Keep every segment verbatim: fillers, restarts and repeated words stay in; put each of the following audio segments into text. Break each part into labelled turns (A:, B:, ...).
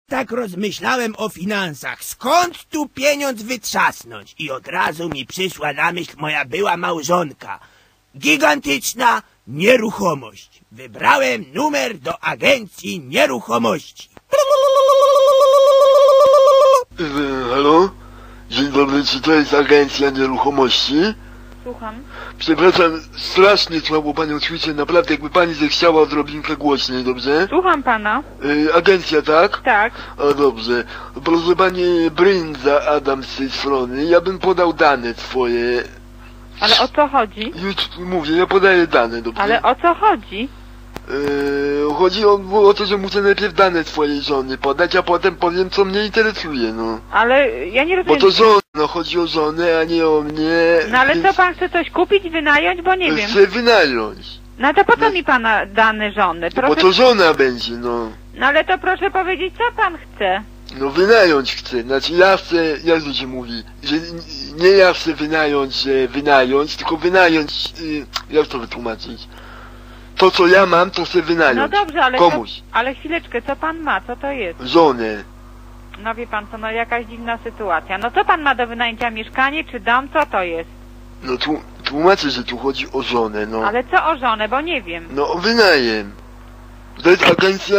A: Tak rozmyślałem o finansach, skąd tu pieniądz wytrzasnąć? I od razu mi przyszła na myśl moja była małżonka. Gigantyczna nieruchomość. Wybrałem numer do agencji nieruchomości.
B: Yy, halo? Dzień dobry, czy to jest agencja nieruchomości?
C: Słucham.
B: Przepraszam, strasznie słabo panią słyszę, naprawdę jakby pani zechciała odrobinkę głośniej, dobrze?
C: Słucham pana.
B: Yy, agencja, tak?
C: Tak.
B: O, dobrze. Proszę pani Brynza Adam z tej strony, ja bym podał dane swoje.
C: Ale o co chodzi?
B: Już mówię, ja podaję dane, dobrze?
C: Ale o co chodzi?
B: Yy, chodzi o, o to, że muszę najpierw dane swojej żony podać, a potem powiem, co mnie interesuje, no.
C: Ale ja nie
B: Bo
C: rozumiem.
B: to żona, no chodzi o żonę, a nie o mnie.
C: No ale
B: więc
C: co pan chce coś kupić, wynająć? Bo nie wiem.
B: chcę wynająć.
C: No to po co mi pana dane żony?
B: Bo
C: Proszę...
B: to żona będzie, no.
C: No ale to proszę powiedzieć, co pan chce.
B: No wynająć chcę, znaczy ja chcę, jak to się mówi, że n- nie ja chcę wynająć, że wynająć, tylko wynająć, y, jak to wytłumaczyć? To co ja mam, to chcę wynająć.
C: No dobrze, ale
B: komuś.
C: Co, ale chwileczkę, co pan ma? Co to jest?
B: Żonę.
C: No wie pan co, no jakaś dziwna sytuacja. No co pan ma do wynajęcia, mieszkanie czy dom? Co to jest?
B: No tu, tłumaczę, że tu chodzi o żonę, no.
C: Ale co o żonę, bo nie wiem.
B: No o wynajem. To jest agencja...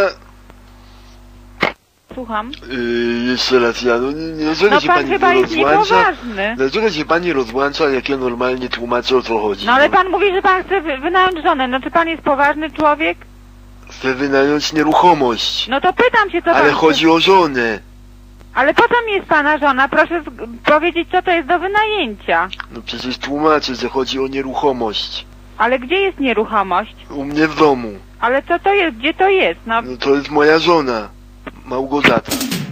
C: Słucham.
B: Yy, jeszcze raz ja, no nie, nie dlaczego
C: No
B: się
C: pan
B: pani
C: chyba
B: nie
C: jest
B: rozłącza?
C: niepoważny.
B: Dlaczego się pani rozłącza, jak ja normalnie tłumaczę, o co chodzi?
C: No ale pan mówi, że pan chce wy- wynająć żonę. No czy pan jest poważny człowiek?
B: Chcę wynająć nieruchomość.
C: No to pytam się, co
B: Ale
C: pan
B: chodzi
C: chce...
B: o żonę.
C: Ale po co mi jest pana żona? Proszę z- powiedzieć, co to jest do wynajęcia.
B: No przecież tłumaczę, że chodzi o nieruchomość.
C: Ale gdzie jest nieruchomość?
B: U mnie w domu.
C: Ale co to jest? Gdzie to jest? No
B: No to jest moja żona. Małgorzata.